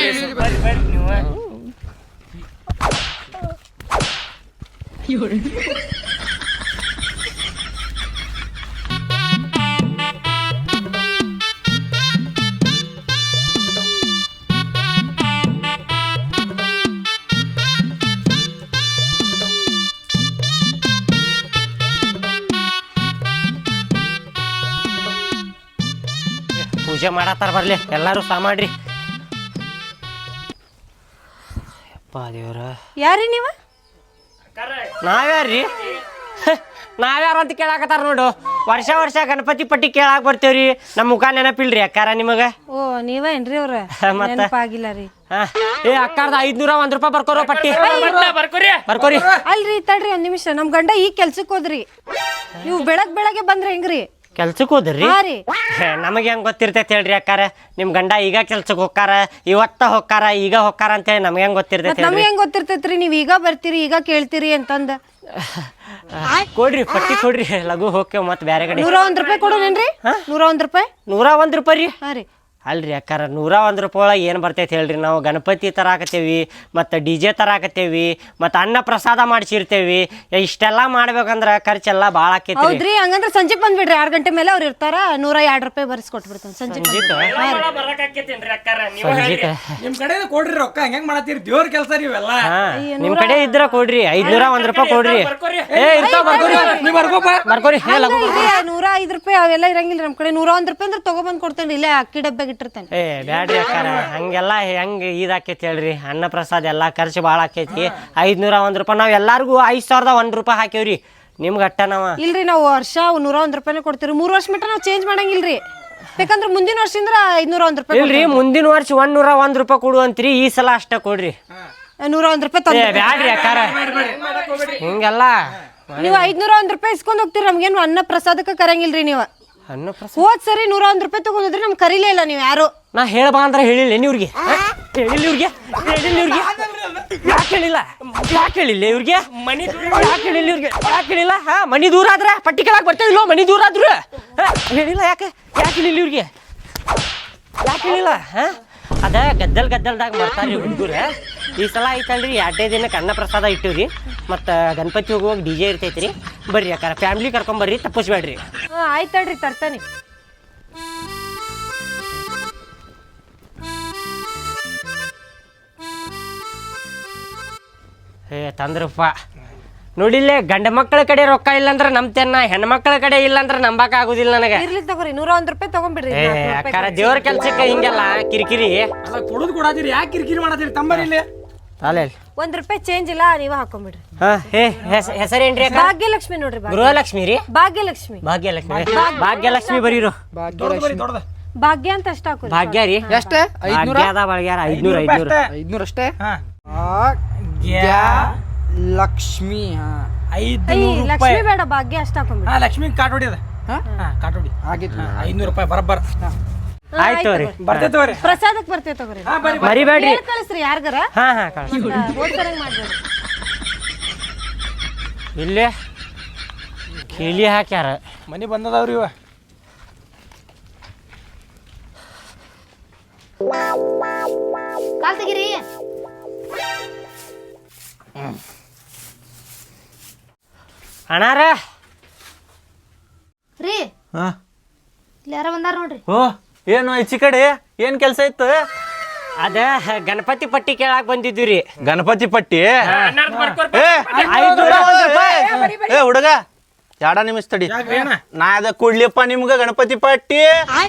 B: ಪೂಜೆ ಮಾಡತ್ತಾರ, ಬರ್ಲಿ ಎಲ್ಲಾರು ಸಾ ಮಾಡ್ರಿ. ಯಪ್ಪ ದೇವ್ರ,
G: ಯಾರಿ ನೀವ?
B: ನಾವ್ಯಾರ್ರಿ? ನಾವ್ಯಾರ ಅಂತ ಕೇಳಾಕತ್ತಾರ ನೋಡು. ವರ್ಷ ವರ್ಷ ಗಣಪತಿ ಪಟ್ಟಿ ಕೇಳಾಕ್ ಬರ್ತೇವ್ರಿ. ನಮ್ಮ ಮುಖ ನೆನಪಿಲ್ರಿ ಅಕ್ಕಾರ ನಿಮಗ?
G: ಓ ನೀವೇನ್ರಿ ಅವ್ರ?
B: ಮತ್ತ?
G: ನೆನಪಾಗಿಲ್ಲ ರೀ.
B: ಹಾ, ಏ ಅಕ್ಕಾರ್ದ ಐದ್ನೂರ ಒಂದ್ ರೂಪಾಯಿ ಬರ್ಕೋರೋ ಪಟ್ಟಿ.
F: ಬರ್ಕೋರಿ
B: ಬರ್ಕೋರಿ.
G: ಅಲ್ರಿ ತಡ್ರಿ ಒಂದ್ ನಿಮಿಷ. ನಮ್ ಗಂಡ ಈಗ ಕೆಲ್ಸಕ್ಕೆ ಹೋದ್ರಿ. ನೀವು ಬೆಳಗ್ ಬೆಳಗ್ಗೆ ಬಂದ್ರೆ ಹೆಂಗ್ರಿ?
B: ಕೆಲ್ಸಕ್ಕೆ ಹೋದ್ರಿ
G: ಹಾ ರೀ
B: ನಮಗೆ ಹೆಂಗ್ ಗೊತ್ತಿರ್ತೈತಿ ಹೇಳ್ರಿ ಅಕ್ಕಾರ ನಿಮ್ ಗಂಡ ಈಗ ಕೆಲ್ಸಕ್ಕೆ ಹೋಗ್ತಾರ ಇವತ್ತ ಹೋಗ್ತಾರ ಈಗ ಹೋಗ್ತಾರ ಅಂತೇಳಿ ನಮ್ಗೆ ಹೆಂಗ್ ಗೊತ್ತಿರ್ತೈತಿ
G: ನಮ್ಗೆ ಹೆಂಗ್ ಗೊತ್ತಿರ್ತೈತ್ರಿ ನೀವ್ ಈಗ ಬರ್ತೀರಿ ಈಗ ಕೇಳ್ತೀರಿ ಅಂತಂದ
B: ಕೊಡ್ರಿ ಪಟ್ಟಿ ಕೊಡ್ರಿ ಲಘು ಹೋಗ್ತೇವ್ ಮತ್ ಬ್ಯಾರೆ ಕಡೆ
G: ನೂರ ಒಂದ್ ರೂಪಾಯಿ ಕೊಡೋನೇನ್ರಿ ನೂರ ಒಂದ್ ರೂಪಾಯಿ
B: ನೂರ ಒಂದ್ ರೂಪಾಯಿ ರೀ
G: ಹಾ ರೀ
B: ಅಲ್ರಿ ಅಕ್ಕಾರ ನೂರ ಒಂದು ರೂಪಾಯಿ ಒಳಗೆ ಏನು ಬರ್ತೈತೆ ಹೇಳ್ರಿ ನಾವು ಗಣಪತಿ ತರಾಕತ್ತೇವಿ ಮತ್ತು ಡಿ ಜೆ ತರಾಕತ್ತೇವಿ ಮತ್ತು ಅನ್ನ ಪ್ರಸಾದ ಮಾಡಿಸಿರ್ತೇವಿ ಇಷ್ಟೆಲ್ಲ ಮಾಡ್ಬೇಕಂದ್ರೆ ಖರ್ಚೆಲ್ಲ ಭಾಳ ಆಕೈತಿ
G: ಹೌದ್ರಿ ಹಂಗಂದ್ರ ಸಂಜೆಗ್ ಬಂದ್ಬಿಡ್ರಿ ಆರ್ ಗಂಟೆ ಮೇಲೆ ಅವ್ರು ಇರ್ತಾರ ನೂರ ಎರಡ್ ರೂಪಾಯಿ ಬರ್ಸ್ ಕೊಟ್ಬಿಡ್ತಾನೆ ಸಂಜೆ
C: ನಿಮ್ ಕಡೆ ಕೊಡ್ರಿ ರೊಕ್ಕ ಹೆಂಗ್ ಮಾಡತ್ತೀರಿ ದೇವ್ರ ಕೆಲಸ ನೀವೆಲ್ಲ
B: ನಿಮ್ಮ ಕಡೆ ಇದ್ರ ಕೊಡ್ರಿ ಐದ್ನೂರ ಒಂದ್ ರೂಪಾಯಿ ಕೊಡ್ರಿ ಏ ಇರ್ತಾವ ಬರ್ಕೋರಿ
C: ನೀ ಬರ್ಕೋಪ
B: ಬರ್ಕೋರಿ ಹೇ ಲಘು
G: ನೂರ ಐದ್ ರೂಪಾಯಿ ಅವೆಲ್ಲ ಇರಂಗಿಲ್ಲ ನಮ್ ಕಡೆ ನೂರ ಒಂದ್ ರೂಪಾಯಿ ಅಂದ್ರೆ ತಗೊಬಂದ್ ಕೊಡ್ತೇನೆ ಇಲ್ಲೇ ಅಕ್ಕಿ ಡಬ್ಬಾಗ ಇಟ್ಟಿರ್ತೇನೆ
B: ಏ ಬ್ಯಾಡ್ರಿ ಅಕ್ಕಾರ ಹಂಗೆಲ್ಲ ಹೆಂಗ್ ಇದಾಕೈತಿ ಹೇಳ್ರಿ ಅನ್ನ ಪ್ರಸಾದ ಎಲ್ಲ ಖರ್ಚು ಭಾಳ ಆಕೈತಿ ಐದ್ನೂರ ಒಂದ್ ರೂಪಾಯಿ ನಾವ್ ಎಲ್ಲಾರ್ಗು ಐದ್ ಸಾವಿರದ ಒಂದ್ ರೂಪಾಯಿ ಹಾಕೇವ್ರಿ ನಿಮ್ಗೆ ಅಟ್ಟ ನಾವ
G: ಇಲ್ರಿ ನಾವು ವರ್ಷ ನೂರ ಒಂದ್ ರೂಪಾಯಿನೇ ಕೊಡ್ತೀವಿ ಮೂರ್ ವರ್ಷ ಮಟ್ಟ ನಾವು ಚೇಂಜ್ ಮಾಡಂಗಿಲ್ರಿ ಬೇಕಂದ್ರೆ ಮುಂದಿನ ವರ್ಷದಿಂದ ಐದ್ನೂರ ಒಂದ್ ರೂಪಾಯಿ
B: ಇಲ್ರಿ ಮುಂದಿನ ವರ್ಷ ಒಂದ್ ನೂರ ಒಂದ್ ರೂಪಾಯಿ ಕೊಡುವಂತ್ರಿ ಈ ಸಲ ಅಷ್ಟ ಕೊಡ್ರಿ
G: ನೂರ ಒಂದ್ ರೂಪಾಯಿ
B: ಏ
G: ತಂದು
B: ಬ್ಯಾಡ್ರಿ ಅಕ್ಕಾರ ಹಿಂಗೆಲ್ಲ
G: ನೀವು ಐದ್ನೂರ ಒಂದ್ ರೂಪಾಯಿ ಇಸ್ಕೊಂಡ್ ಹೋಗ್ತೀರಿ ನಮ್ಗೇನು ಅನ್ನ ಪ್ರಸಾದಕ್ಕೆ ಕರಂಗಿಲ್ರಿ ನೀವು
B: ಅನ್ನ ಪ್ರಸಾದ
G: ಹೋದ್ ಸರಿ ನೂರ ಒಂದ್ ರೂಪಾಯಿ ತಗೊಂಡಿದ್ರಿ ನಮ್ ಕರೀಲೇ ಇಲ್ಲ ನೀವು ಯಾರು
B: ನಾ ಹೇಳ್ಬಾ ಅಂದ್ರೆ ಹೇಳಿಲ್ಲ ಇವ್ರಿಗೆ ಹೇಳಿಲ್ಲ ಇವ್ರಿಗೆ ಹೇಳಿಲ್ಲ ಇವ್ರಿಗೆ ಯಾಕೆ ಹೇಳಿಲ್ಲ ಯಾಕೆ ಹೇಳಿಲ್ಲ ಇವ್ರಿಗೆ ಮನಿ ಯಾಕೆ ಹೇಳಿಲ್ಲ ಇವ್ರಿಗೆ ಯಾಕೆ ಹೇಳಿಲ್ಲ ಹಾ ಮನಿ ದೂರ ಆದ್ರೆ ಪಟ್ಟಿ ಕೆಳಗೆ ಬರ್ತೇವಿಲ್ಲೋ ಮನಿ ದೂರ ಆದ್ರು ಹೇಳಿಲ್ಲ ಯಾಕೆ ಯಾಕೆ ಹೇಳಿಲ್ಲ ಇವ್ರಿಗೆ ಯಾಕೆ ಹೇಳಿಲ್ಲ ಹಾ ಅದ ಗದ್ದಲ್ ಗದ್ದಲ್ದಾಗ ಬರ್ತಾರ್ರಿ ಹುಡುಗರ ಈ ಸಲ ಐತಲ್ರಿ ಎರಡೇ ದಿನಕ್ಕೆ ಅನ್ನ ಪ್ರಸಾದ ಇಟ್ಟಿವ್ರಿ ಮತ್ತು ಗಣಪತಿ ಹೋಗುವಾಗ ಡಿ ಜೆ ಇರ್ತೈತ್ರಿ ಬರ್ರಿ ಯಾಕಾರ ಫ್ಯಾಮ್ಲಿ ಕರ್ಕೊಂಬರ್ರಿ ತಪ್ಪಿಸ್ಬೇಡ್ರಿ
G: ಹಾ ಆಯ್ತಲ್ರಿ ತರ್ತಾನೆ
B: ಏ ತಂದ್ರಪ್ಪ ನೋಡಿಲ್ಲೇ ಗಂಡ ಮಕ್ಕಳ ಕಡೆ ರೊಕ್ಕ ಇಲ್ಲಂದ್ರ ನಂಬ್ತೇನ ಹೆಣ್ಮಕ್ಳ ಕಡೆ ಇಲ್ಲಂದ್ರ ನಂಬಾಕ ಆಗುದಿಲ್ಲ ನನಗೆ
G: ಇರ್ಲಿ ತಗೋರಿ ನೂರ ಒಂದ್ ರೂಪಾಯಿ ತಗೊಂಡ್ಬಿಡ್ರಿ
B: ಏ ಅಕ್ಕಾರ ದೇವ್ರ ಕೆಲ್ಸಕ್ಕೆ ಹಿಂಗೆಲ್ಲ ಕಿರಿಕಿರಿ
C: ಅಲ್ಲ ಕೊಡುದು ಕೊಡಾತೀರಿ ಯಾಕೆ ಕಿರಿಕಿರಿ ಮಾಡತ್ತೀರಿ ತಂಬರಿ ಇಲ್ಲಿ
B: ಅಲ್ಲ
G: ಒಂದ್ ರೂಪಾಯಿ ಚೇಂಜ್ ಇಲ್ಲ ನೀವ ಹಾಕೊಂಡ್ಬಿಡ್ರಿ
B: ಹಾ ಹೇ ಹೆಸರೇನ್ರಿ ಅಕ್ಕ
G: ಭಾಗ್ಯಲಕ್ಷ್ಮಿ ನೋಡ್ರಿ ಭಾಗ್ಯ-
B: ಗೃಹಲಕ್ಷ್ಮಿ ರೀ
G: ಭಾಗ್ಯಲಕ್ಷ್ಮಿ
B: ಭಾಗ್ಯಲಕ್ಷ್ಮಿ ಭಾಗ್ಯಲಕ್ಷ್ಮಿ ಬರೀರು
G: ಭಾಗ್ಯ ಅಂತ ಅಷ್ಟ ಹಾಕೋರಿ
B: ಭಾಗ್ಯ ರೀ
H: ಎಷ್ಟ
B: ಭಾಗ್ಯದ ಬಳಗ್ಯಾರ ಐದ್ನೂರ ಐದ್ನೂರ
H: ಐದ್ನೂರ ಅಷ್ಟೇ
C: ಗ್ಯಾ
H: ಲಕ್ಷ್ಮಿ
C: ಐದು
G: ಐ, ಲಕ್ಷ್ಮಿ ಬೇಡ ಭಾಗ್ಯ ಅಷ್ಟ ಹಾಕೊಂಡ್ಬಿಡ್ರಿ
C: ಹಾ ಲಕ್ಷ್ಮಿ ಕಾಟ್ ಹೊಡಿಯದ ಹಾ ಕಾಟ್ ಹೊಡಿ
H: ಆಗಿತ್ತು
C: ಐದ್ನೂರು ರೂಪಾಯಿ ಬರಬ್ಬರ
B: ಆಯ್ತು ರೀ
C: ಬರ್ತೈತವ್ರಿ
G: ಪ್ರಸಾದಕ್ ಬರ್ತೇವೆ ತಗೋರಿ
C: ಹಾ ಬರ್ರಿ
B: ಮರಿಬೇಡ್ರಿ
G: ಹೇಳ್ ಕಳಿಸ್ರಿ ಯಾರ್ಗಾರ
B: ಹಾ ಹಾ ಕಳ್ಸಿ
G: ಓದ್ಸರಂಗ್ ಮಾಡ್ಬೇಡ್ರಿ
B: ಇಲ್ಲೇ ಕೀಲಿ ಹಾಕ್ಯಾರ
C: ಮನಿ ಬಂದದವ್ರಿ ಇವ
I: ಕಾಲ್ ತೆಗಿರಿ
B: ಅಣ್ಣಾರ
I: ರೀ ಇಲ್ಲಿ ಯಾರ ಬಂದಾರ ನೋಡ್ರಿ
D: ಓ ಏನು ಈಚಿ ಕಡೆ ಏನ್ ಕೆಲಸ ಇತ್ತು
B: ಅದ ಗಣಪತಿ ಪಟ್ಟಿ ಕೇಳಾಕ್ ಬಂದಿದ್ವಿ ರೀ
D: ಗಣಪತಿ ಪಟ್ಟಿ ಏ,
B: ಐದ್ನೂರ ಒಂದ್ ರೂಪಾಯಿ
D: ಏ ಹುಡುಗ ಎರಡ ನಿಮಿಷ ತಡಿ ನಾ ಅದ ಕೊಡ್ಲಿಪ್ಪ ನಿಮ್ಗ ಗಣಪತಿ ಪಟ್ಟಿ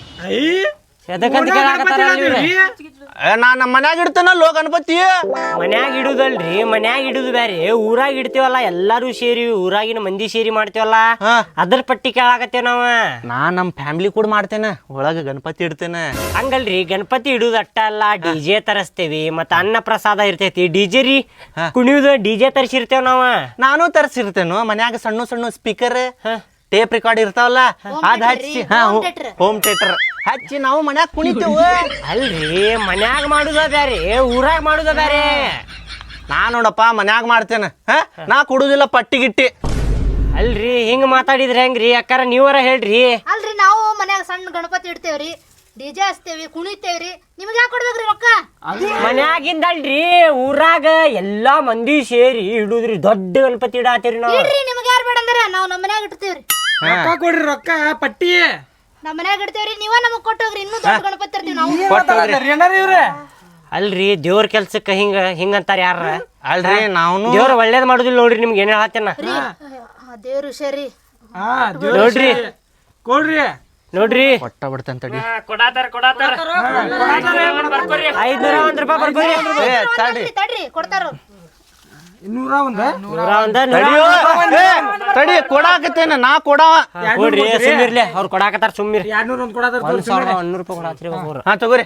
B: ಎದಕ್ಕಂತ ಕೇಳಾಕತ್ತಾರ ಇವ್ರು?
D: ಏ, ನಾ ನಮ್ಮ ಮನ್ಯಾಗ ಇಡ್ತೇನಲ್ಲೋ ಗಣಪತಿ
B: ಮನ್ಯಾಗ ಇಡುದಲ್ರಿ ಮನ್ಯಾಗ ಇಡುದು ಬ್ಯಾರೆ ಊರಾಗ ಇಡ್ತೀವಲ್ಲ ಎಲ್ಲಾರು ಸೇರಿ ಊರಾಗಿನ ಮಂದಿ ಸೇರಿ ಮಾಡ್ತೀವಲ್ಲ
D: ಹಾ.
B: ಅದ್ರ ಪಟ್ಟಿ ಕೇಳಾಕತ್ತೇವ್ ನಾವ
D: ನಾ ನಮ್ಮ ಫ್ಯಾಮಿಲಿ ಕೂಡ ಮಾಡ್ತೇನೆ ಒಳಗ ಗಣಪತಿ ಇಡ್ತೇನೆ
B: ಹಂಗಲ್ರಿ ಗಣಪತಿ ಇಡುದು ಅಟ್ಟ ಅಲ್ಲ ಡಿಜೆ ತರಸ್ತೇವಿ ಮತ್ತ ಅನ್ನ ಪ್ರಸಾದ ಇರ್ತೈತಿ ಡಿಜೆ ರೀ ಕುಣಿಯುದು ಡಿಜೆ ತರಿಸಿರ್ತೇವ್ ನಾವ
D: ನಾನು ತರಿಸಿರ್ತೇನು ಮನ್ಯಾಗ ಸಣ್ಣ ಸಣ್ಣ ಸ್ಪೀಕರ್ ಟೇಪ್ ರೆಕಾರ್ಡ್ ಇರ್ತಾವಲ್ಲ ಅದ್ ಹಚ್ಚಿ ಹಾ ಹೋಮ್ ಥಿಯೇಟರ್ ಹಚ್ಚಿ ನಾವು ಮನ್ಯಾಗ ಕುಣಿತೇವ
B: ಅಲ್ರಿ ಮನ್ಯಾಗ ಮಾಡುದ ಬ್ಯಾರೆ ಊರಾಗ ಮಾಡುದ ಬ್ಯಾರೆ
D: ನಾ ನೋಡಪ್ಪ ಮನ್ಯಾಗ ಮಾಡ್ತೇನೆ ಹಾ ನಾ ಕೊಡುದಿಲ್ಲ ಪಟ್ಟಿ ಗಿಟ್ಟಿ
B: ಅಲ್ರಿ ಹಿಂಗ್ ಮಾತಾಡಿದ್ರೆ ಹೆಂಗ್ರಿ ಅಕ್ಕಾರ ನೀವರ ಹೇಳ್ರಿ
I: ಅಲ್ರಿ ನಾವು ಮನ್ಯಾಗ ಸಣ್ಣ ಗಣಪತಿ ಇಡ್ತೇವ್ರಿ ಡಿಜೆ ಹಚ್ತೇವಿ ಕುಣಿತೇವ್ರಿ ನಿಮ್ಗೆ ಯಾಕೆ ಕೊಡ್ಬೇಕ್ರಿ ರೊಕ್ಕ
B: ಮನ್ಯಾಗಿಂದಲ್ರಿ ಊರಾಗ ಎಲ್ಲಾ ಮಂದಿ ಸೇರಿ ಇಡುದ್ರಿ ದೊಡ್ಡ ಗಣಪತಿ ಇಡಾತೀರಿ ನಾವು
I: ಇಡ್ರಿ ನಿಮ್ಗೆ ಯಾರು ಬೇಡ ಅಂದಾರ ನಾವು ನಮ್ಮ ಮನ್ಯಾಗ ಇಡ್ತೇವ್ರಿ
C: ರೊಕ್ಕ ಕೊಡ್ರಿ ರೊಕ್ಕ ಪಟ್ಟಿ
I: ನಮ್ಮ ಮನ್ಯಾಗ ಇಡ್ತೇವ್ರಿ ನೀವ ನಮಗ್ ಕೊಟ್ಟೋಗ್ರಿ ಇನ್ನೂ ದೊಡ್ಡ ಗಣಪತಿ ತರ್ತೀವಿ ನಾವು
C: ಏನಾರ ಇವ್ರೆ
B: ಅಲ್ರಿ ದೇವ್ರ ಕೆಲ್ಸಕ್ಕ ಹಿಂಗ ಹಿಂಗಂತಾರ ಯಾರ
D: ಅಲ್ರಿ ನಾವು
B: ದೇವ್ರ ಒಳ್ಳೇದ್ ಮಾಡುದಿಲ್ಲ ನೋಡ್ರಿ ನಿಮ್ಗೆ ಏನ್ ಹೇಳತ್ತೇನ
I: ದೇವ್ರು ಹುಷಾರಿ
C: ಹಾ
B: ನೋಡ್ರಿ
C: ಕೊಡ್ರಿ
B: ನೋಡ್ರಿ
D: ಕೊಟ್ಟ ಬಿಡ್ತೇನೆ ತಡಿ
F: ಕೊಡಾತಾರ ಕೊಡಾತಾರ ಬರ್ಕೋರಿ
B: ಐದ್ನೂರ ಒಂದ್ ರೂಪಾಯಿ ಬರ್ಕೋರಿ
D: ಏ ತಡಿ
I: ತಡ್ರಿ ಕೊಡ್ತಾರ
C: ಇನ್ನೂರ ಒಂದ
B: ನೂರ ಒಂದ ನೂರ
D: ತಡಿಯೋ. ಏ, ತಡಿ ಕೊಡಾಕತ್ತೇನೆ ನಾ ಕೊಡವ
B: ಕೊಡ್ರಿ ಸುಮ್ಮಿರ್ಲಿ ಅವ್ರು ಕೊಡಾಕತ್ತಾರ ಸುಮ್ಮಿರಿ
C: ಎರಡ್ನೂರ ಒಂದ್ ಕೊಡಾತಾರ
B: ಒಂದ್ ಸಾವಿರದ ಒಂದೂರು ರೂಪಾಯಿ ಕೊಡಾತ್ರಿ ಒಬ್ಬರು
D: ಹಾ ತಗೋರಿ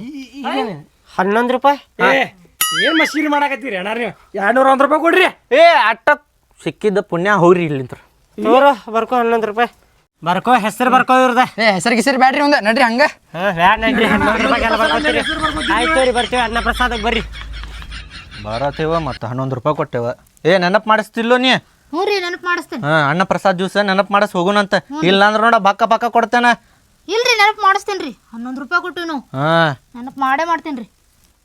B: ಹನ್ನೊಂದು ರೂಪಾಯಿ
C: ಏ ಏನ್ ಮಸೀರಿ ಮಾಡಾಕತ್ತೀರಿ ಅಣ್ಣ ನೀವು ಎರಡ್ನೂರ ಒಂದ್ ರೂಪಾಯಿ ಕೊಡ್ರಿ
D: ಏ ಅಟ್ಟ ಸಿಕ್ಕಿದ್ದ ಪುಣ್ಯ ಹೋಗ್ರಿ ಇಲ್ಲಿಂತ್ರ
B: ತೋರ ಬರ್ಕೊ ಹನ್ನೊಂದು ರೂಪಾಯಿ ಬರ್ಕೋ ಹೆಸರು ಬರ್ಕೋ ಇವ್ರದ
H: ಏ ಹೆಸರು ಗಿಸರಿ ಬ್ಯಾಡ್ರಿ ಒಂದ ನಡ್ರಿ ಹಂಗ
B: ಹನ್ನೊಂದು ರೂಪಾಯಿ ಬರ್ಕೋತೀರಿ ಆಯ್ತು ರೀ ಬರ್ತೀವಿ ಅನ್ನ ಪ್ರಸಾದಕ್ಕೆ ಬರ್ರಿ
D: ಬರತ್ತೇವ ಮತ್ತು ಹನ್ನೊಂದು ರೂಪಾಯಿ ಕೊಟ್ಟೆವ ಏ ನೆನಪು ಮಾಡಿಸ್ತಿಲ್ಲೋ ನೀ
I: ಹ್ಞೂ ರೀ ನೆನಪು ಮಾಡಿಸ್ತೇನೆ.
D: ಹಾಂ ಅನ್ನ ಪ್ರಸಾದ್ ಜ್ಯೂಸ್ ನೆನಪು ಮಾಡಿಸ್ ಹೋಗುನಂತ ಇಲ್ಲ ಅಂದ್ರೆ ನೋಡ ಬಕ್ಕ ಪಕ್ಕ ಕೊಡ್ತೇನೆ.
I: ಇಲ್ರಿ ನೆನಪು ಮಾಡಿಸ್ತೇನೆ ರೀ ಹನ್ನೊಂದು ರೂಪಾಯಿ ಕೊಟ್ಟು ನಾವು
D: ಹಾಂ
I: ನೆನಪು ಮಾಡೇ ಮಾಡ್ತೇನೆ ರೀ.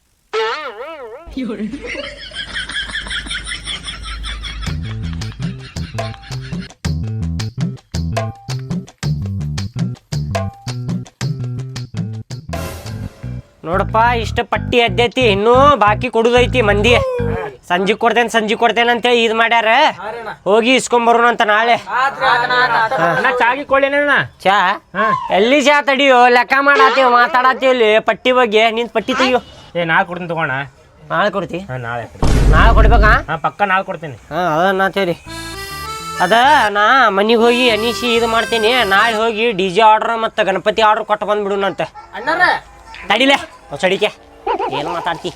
B: ನೋಡಪ್ಪ ಇಷ್ಟ ಪಟ್ಟಿ ಎದ್ದೈತಿ ಇನ್ನೂ ಬಾಕಿ ಕೊಡುದೈತಿ ಮಂದಿ. ಸಂಜೆ ಕೊಡ್ತೇನೆ ಸಂಜೆ ಕೊಡ್ತೇನೆ ಅಂತೇಳಿ ಇದು ಮಾಡ್ಯಾರ. ಹೋಗಿ ಇಸ್ಕೊಂಬರೋಣ ಅಂತ ನಾಳೆ.
C: ಚಾಗಿ ಕೊಳ್ಳೇನ
B: ಚಾ ಎಲ್ಲಿ ಚಾ ತಡಿಯೋ ಲೆಕ್ಕ ಮಾಡಾತೀವಿ ಮಾತಾಡತ್ತೀವಿ ಇಲ್ಲಿ ಪಟ್ಟಿ ಬಗ್ಗೆ. ನಿನ್ ಪಟ್ಟಿ ತೆಗಿಯೋ.
C: ಏ ನಾಳೆ ಕೊಡ್ತೀನಿ ತಗೋಣ.
B: ನಾಳೆ ಕೊಡ್ತಿ?
C: ಹಾಂ ನಾಳೆ
B: ನಾಳೆ ಕೊಡ್ಬೇಕಾ?
C: ಹಾಂ ಪಕ್ಕ ನಾಳೆ ಕೊಡ್ತೀನಿ.
B: ಹಾಂ ಅದನ್ನ ತೇರಿ ಅದ ನಾ ಮನಿಗೆ ಹೋಗಿ ಅನಿಸಿ ಇದು ಮಾಡ್ತೀನಿ. ನಾಳೆ ಹೋಗಿ ಡಿ ಜೆ ಆರ್ಡ್ರ್ ಮತ್ತು ಗಣಪತಿ ಆರ್ಡ್ರ್ ಕೊಟ್ಟು ಬಂದ್ಬಿಡುನಂತೆ. ತಡಿಲೆ ಹೊಸಡಿಕೆ ಏನು ಮಾತಾಡ್ತಿ?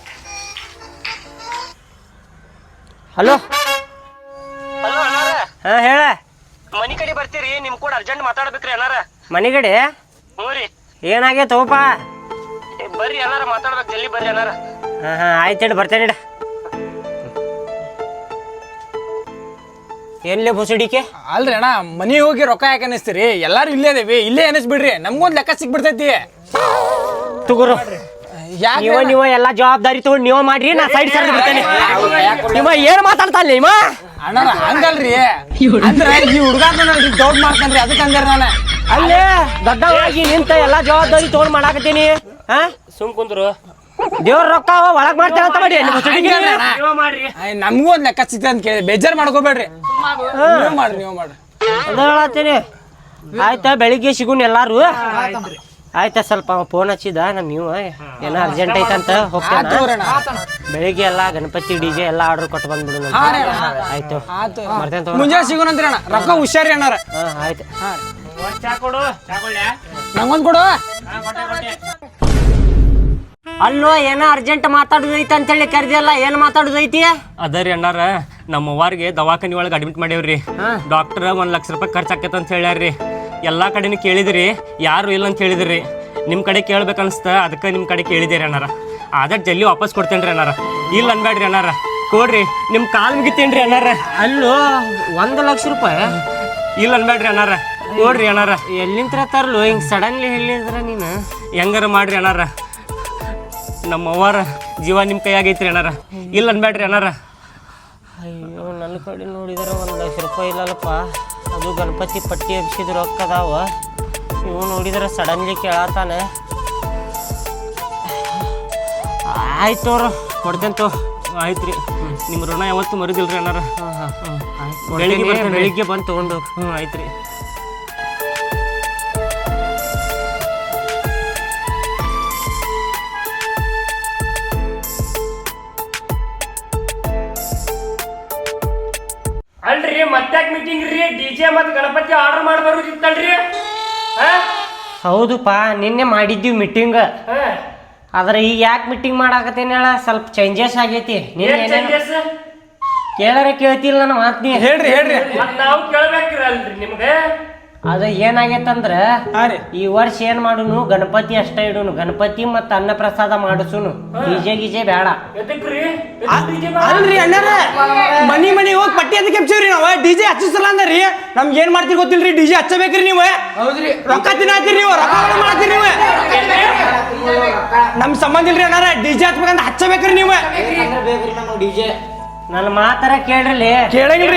B: ಹಲೋ ಹಾಂ ಹೇಳ.
F: ಮನಿ ಕಡೆ ಬರ್ತೀರಿ ನಿಮ್ ಕೂಡ ಅರ್ಜೆಂಟ್ ಮಾತಾಡ್ಬೇಕ್ರಿ ಎಲ್ಲಾರ.
B: ಮನೆಗಡೆ
F: ಹ್ಞೂ ರೀ
B: ಏನಾಗೈತವಪ್ಪ?
F: ಬರ್ರಿ ಎಲ್ಲಾರ ಮಾತಾಡ್ಬೇಕು ಜಲ್ದಿ ಬರ್ರಿ ಎಲ್ಲಾರ.
B: ಹಾಂ ಹಾಂ ಆಯ್ತು ಹೇಳಿ ಬರ್ತೇನೆ ಇಡ. ಎಲ್ಲೇ ಬುಸಡಿಕೆ
H: ಅಲ್ರಿ ಅಣ್ಣ ಮನಿಗೆ ಹೋಗಿ ರೊಕ್ಕ ಯಾಕೆ ಅನಿಸ್ತೀರಿ? ಎಲ್ಲಾರು ಇಲ್ಲೇ ಅದೇವಿ, ಇಲ್ಲೇ ಅನಿಸ್ಬಿಡ್ರಿ, ನಮ್ಗೊಂದ್ ಲೆಕ್ಕ ಸಿಕ್ಬಿಡ್ತೈತಿ.
B: ತಗೋರು ನೀವ ನೀವ ಎಲ್ಲಾ ಜವಾಬ್ದಾರಿ ತಗೊಂಡು ನೀವ ಮಾಡ್ರಿ. ನಾ ಸೈಡ್ ಸೈಡ್ ಬಿಡ್ತೇನೆ. ನೀವ ಏನ್ ಮಾತಾಡ್ತಾ ಇಲ್ಲ? ನೀವ
H: ಅಣ್ಣ ಹಂಗಲ್ರಿ, ಅಂದ್ರ ಈ ಹುಡುಗ ದೊಡ್ಡ ಮಾಡ್ತಾನ್ರಿ ಅದಕ್ಕೆ ಅಂದ್ರ ನಾನು
B: ಅಲ್ಲೇ ದೊಡ್ಡವಾಗಿ ನಿಂತ ಎಲ್ಲಾ ಜವಾಬ್ದಾರಿ ತಗೊಂಡ್ ಮಾಡಾಕತ್ತೀನಿ. ಹಾ
F: ಸುಮ್ ಕುಂದ್ರು
B: ದೇವ್ರ ರೊಕ್ಕ ಒಳಗ್ ಮಾಡ್ತೇನೆ ಅಂತ ಮಾಡಿ
F: ಮಾಡ್ರಿ.
H: ನಮಗೂ ಒಂದ್ ಲೆಕ್ಕ ಸಿಗ್ತದೆ ಅಂತ ಕೇಳಿ ಬೇಜಾರ್ ಮಾಡ್ಕೋಬೇಡ್ರಿ. ನೀವು ಮಾಡ್ರಿ ನೀವು ಮಾಡ್ರಿ
B: ಅದ ಹೇಳತ್ತೀನಿ. ಆಯ್ತಾ ಬೆಳಿಗ್ಗೆ ಸಿಗುನ್ ಎಲ್ಲಾರು. ಆಯ್ತಾ ಸ್ವಲ್ಪ ಫೋನ್ ಹಚ್ಚಿದ ನಮ್ ನೀವು ಏನೋ ಅರ್ಜೆಂಟ್ ಐತಂತ ಹೋಗ್ತೇನೆ. ಬೆಳಿಗ್ಗೆ ಎಲ್ಲಾ ಗಣಪತಿ ಡಿಜೆ ಎಲ್ಲಾ ಆರ್ಡರ್ ಕೊಟ್ಟು ಬಂದ್ಬಿಡು. ಆಯ್ತು ಬರ್ತೇನೆ.
H: ಮುಂಜಾನೆ ಸಿಗೋಣಂತ್ರಿ ಅಣ್ಣ. ರೊಕ್ಕ ಹುಷಾರಿ ಅಣ್ಣಾರ.
B: ಹಾ ಆಯ್ತು.
F: ಚಾ ಕೊಡು ಚಾ ಕೊಡ್ಲ್ಯಾ?
H: ನಂಗೊಂದ್ ಕೊಡು.
B: ಅಲ್ಲೋ ಏನೋ ಅರ್ಜೆಂಟ್ ಮಾತಾಡುದೈತಿ ಅಂತೇಳಿ ಕರ್ದಿಯಲ್ಲ, ಏನ್ ಮಾತಾಡುದೈತಿ?
F: ಅದರಿ ಅಣ್ಣಾರ ನಮ್ಮ ಅವ್ವಾರಿಗೆ ದವಾಖಾನಿ ಒಳಗೆ ಅಡ್ಮಿಟ್ ಮಾಡೇವ್ರಿ. ಡಾಕ್ಟರ್ ಒಂದ್ ಲಕ್ಷ ರೂಪಾಯಿ ಖರ್ಚಾಕೈತೆ ಅಂತ ಹೇಳ್ಯಾರ್ರಿ. ಎಲ್ಲಾ ಕಡೆನೂ ಕೇಳಿದ್ರಿ, ಯಾರು ಇಲ್ಲ ಅಂತ ಹೇಳಿದ್ರಿ. ನಿಮ್ ಕಡೆ ಕೇಳ್ಬೇಕನ್ಸ್ತ ಅದಕ್ಕೆ ನಿಮ್ ಕಡೆ ಕೇಳಿದಿರಿ ಅಣ್ಣಾರ. ಆದಷ್ಟು ಜಲ್ದಿ ವಾಪಸ್ ಕೊಡ್ತೇನ್ರಿ ಅಣ್ಣಾರ. ಇಲ್ಲ ಅನ್ಬೇಡ್ರಿ ಅಣ್ಣಾರ, ಕೊಡ್ರಿ. ನಿಮ್ ಕಾಲ್ ಮುಗಿತೇನ್ರಿ ಅಣ್ಣಾರ.
B: ಅಲ್ಲೋ ಒಂದು ಲಕ್ಷ ರೂಪಾಯಿ
F: ಇಲ್ಲ ಅನ್ಬೇಡ್ರಿ ಅಣ್ಣಾರ, ಕೊಡ್ರಿ ಅಣ್ಣಾರ.
B: ಎಲ್ಲಿಂತ್ರ ತರ್ಲು ಹಿಂಗ್ ಸಡನ್ಲಿ ಹೇಳಿದ್ರ ನೀನು?
F: ಹೆಂಗಾರ ಮಾಡ್ರಿ ಅಣ್ಣಾರ, ನಮ್ಮ ಅವ್ವಾರ ಜೀವ ನಿಮ್ಮ ಕೈಯಾಗೈತ್ರಿ ಅಣ್ಣಾರ. ಇಲ್ಲ ಅನ್ಬೇಡ್ರಿ ಅಣ್ಣಾರ.
B: ಅಯ್ಯೋ ನನ್ನ ಕಡೆ ನೋಡಿದ್ರೆ ಒಂದು ಲಕ್ಷ ರೂಪಾಯಿ ಇಲ್ಲಲ್ಲಪ್ಪ. ಅದು ಗಣಪತಿ ಪಟ್ಟಿ ಎಬ್ಸಿದ್ರು ರೊಕ್ಕ ಅದಾವ. ಇವು ನೋಡಿದ್ರೆ ಸಡನ್ಲಿ ಕೇಳತ್ತಾನೆ. ಆಯ್ತು ಅವ್ರು ಕೊಡ್ತೇನೆ ತೋ.
F: ಆಯ್ತು ರೀ, ನಿಮ್ಮ ಋಣ ಯಾವತ್ತು ಮರುದಿಲ್ರಿ ಅಣ್ಣಾರ.
B: ಹಾಂ ಹಾಂ ಆಯ್ತು
F: ಬೆಳಿಗ್ಗೆ
B: ಬೆಳಿಗ್ಗೆ ಬೆಳಿಗ್ಗೆ ಬಂದು ತೊಗೊಂಡು.
F: ಹ್ಞೂ ಆಯ್ತು ರೀ. ಅಲ್ರಿ ಮತ್ತಾಕ್ ಮೀಟಿಂಗ್ ರೀ? ಡಿಜೆ ಮತ್ತು ಗಣಪತಿ ಆರ್ಡರ್ ಮಾಡಿ ಬರೋದಿತ್ತಲ್ರಿ?
B: ಹೌದುಪ್ಪ ನಿನ್ನೆ ಮಾಡಿದ್ದೀವಿ ಮೀಟಿಂಗ್. ಆದ್ರೆ ಈಗ ಯಾಕೆ ಮೀಟಿಂಗ್ ಮಾಡಾಕತ್ತೇನೆ ಹೇಳ? ಸ್ವಲ್ಪ ಚೇಂಜಸ್ ಆಗೈತಿ. ಕೇಳಾರ ಕೇಳ್ತಿಲ್ಲ ನನ್ನ ಮಾತು. ನೀ
H: ಹೇಳ್ರಿ ಹೇಳ್ರಿ.
F: ನಾವು ಕೇಳ್ಬೇಕ್ರಿ ಅಲ್ರಿ ನಿಮ್ಗೆ.
B: ಅದು ಏನಾಗೈತಂದ್ರ ಈ ವರ್ಷ ಏನ್ ಮಾಡುನು ಗಣಪತಿ ಅಷ್ಟ ಇಡುನು. ಗಣಪತಿ ಮತ್ತ ಅನ್ನ ಪ್ರಸಾದ ಮಾಡಿಸುನು. ಡಿಜೆ ಗಿಜೆ ಬೇಡ.
H: ಅಲ್ರಿ ಅಣ್ಣಾರ ಮನಿ ಮನಿ ಹೋಗಿ ಪಟ್ಟಿ ಅದಕ್ಕೆ ಕೆಪ್ಸಿವ್ರಿ ನಾವ. ಡಿಜೆ ಹಚ್ಚಿಸಲ್ಲ ಅಂದ್ರಿ. ನಮ್ಗೆ ಏನ್ ಮಾಡ್ತೀರಿ ಗೊತ್ತಿಲ್ರಿ, ಡಿಜೆ ಹಚ್ಚಬೇಕ್ರಿ ನೀವು. ರೊಕ್ಕ ತಿನ್ನಾತೀರಿ ನೀವು, ರೊಕ್ಕ ಮಾಡ್ತೀರಿ ನೀವು. ನಮ್ ಸಂಬಂಧ ಇಲ್ರಿ ಅಣ್ಣಾರ, ಡಿಜೆ ಹಚ್ಬೇಕಂತ ಹಚ್ಚಬೇಕ್ರಿ ನೀವು.
B: ನನ್ನ ಮಾತಾರ ಕೇಳ್ರಿ.
H: ಕೇಳಂಗಿಲ್ರಿ.